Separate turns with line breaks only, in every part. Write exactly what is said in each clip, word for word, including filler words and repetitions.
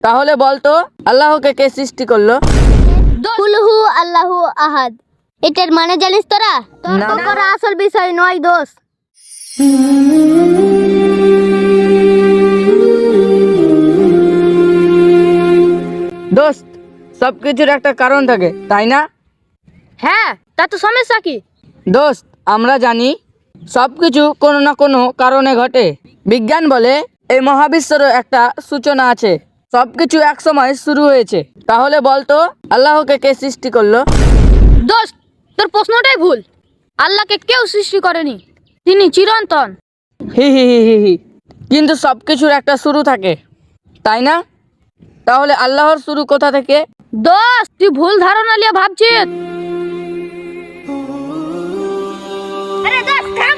তাহলে বলতো আল্লাহকে কে সৃষ্টি করলো?
কুল হু আল্লাহু আহাদ। এটার মানে জানিস তোরা? তর্ক করা আসল বিষয় নয় দোষ।
দোস্ত, সবকিছুর একটা কারণ থাকে, তাই না?
হ্যাঁ, তা তো সমস্যা কি?
দোস্ত, আমরা জানি সবকিছু কোনো না কোনো কারণে ঘটে। বিজ্ঞান বলে এই মহাবিশ্বেরও একটা সূচনা আছে, সবকিছু এক সময় শুরু হয়েছে। তাহলে বলতো আল্লাহকে কে সৃষ্টি করলো?
দোস্ত, তোর প্রশ্নটাই ভুল। আল্লাহকে কেউ সৃষ্টি করেনি, তিনি চিরন্তন।
হি হি হি হি হি কিন্তু সবকিছুর একটা শুরু থাকে, তাই না? তাহলে আল্লাহর শুরু কোথা থেকে?
দোস্ত, তুই ভুল ধারণা নিয়ে ভাবছিস। আরে দোস্ত থাম।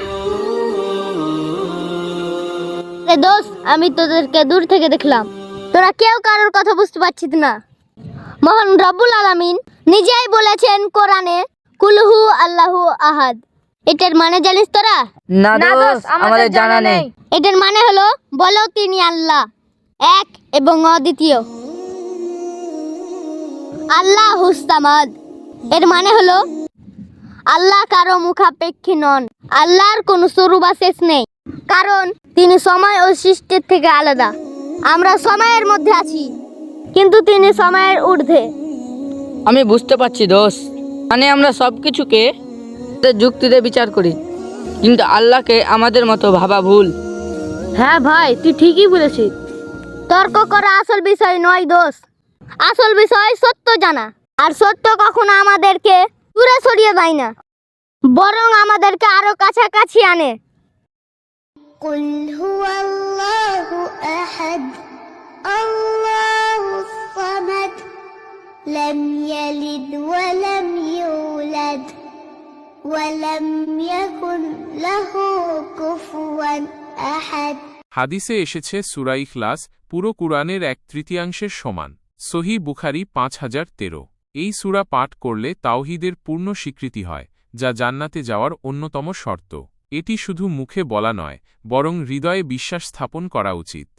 আরে দোস্ত, আমি তোদেরকে দূর থেকে দেখলাম, তোরা কেউ কারোর কথা বুঝতে পারছিস না। মহান রব্বুল আলামিন নিজেই বলেছেন কোরআনে, কুলহু আল্লাহু আহাদ। এটার মানে জানিস তোরা?
না দোস্ত, আমাদের জানা নেই।
এটার মানে হলো, বলো তিনি আল্লাহ, এক এবং অদ্বিতীয়। আল্লাহ হুস্তামাদ, এর মানে হলো আল্লাহ কারো মুখাপেক্ষী নন। আল্লাহর কোনো শুরু বা শেষ নেই, কারণ তিনি সময় ও সৃষ্টির থেকে আলাদা। আমরা সময়ের মধ্যে আছি, কিন্তু তিনি সময়ের ঊর্ধ্বে।
আমি বুঝতে পারছি দোস্ত, মানে আমরা সব কিছুকে যুক্তিতে বিচার করি, কিন্তু আল্লাহকে আমাদের মতো ভাবা ভুল।
হ্যাঁ ভাই, তুই ঠিকই বলেছিস। তর্ক করা আসল বিষয় নয় দোষ। আসল বিষয় সত্য জানা, আর সত্য কখনো আমাদেরকে দূরে সরিয়ে দেয় না, বরং আমাদেরকে আরো কাছাকাছি আনে।
কুল হুয়াল্লাহু আহাদ, আল্লাহুস সামাদ, লাম ইয়ালিদ ওয়া লাম ইউলাদ ওয়া লাম ইয়াকুন লাহু কুফুয়ান আহাদ।
হাদিসে এসেছে সূরা ইখলাস পুরো কুরআনের এক তৃতীয়াংশের সমান। সহিহ বুখারী পাঁচ হাজার তেরো। এই সূরা পাঠ করলে তাওহীদের পূর্ণ স্বীকৃতি হয়, যা জান্নাতে যাওয়ার অন্যতম শর্ত। এটি শুধু মুখে বলা নয়, বরং হৃদয়ে বিশ্বাস স্থাপন করা উচিত।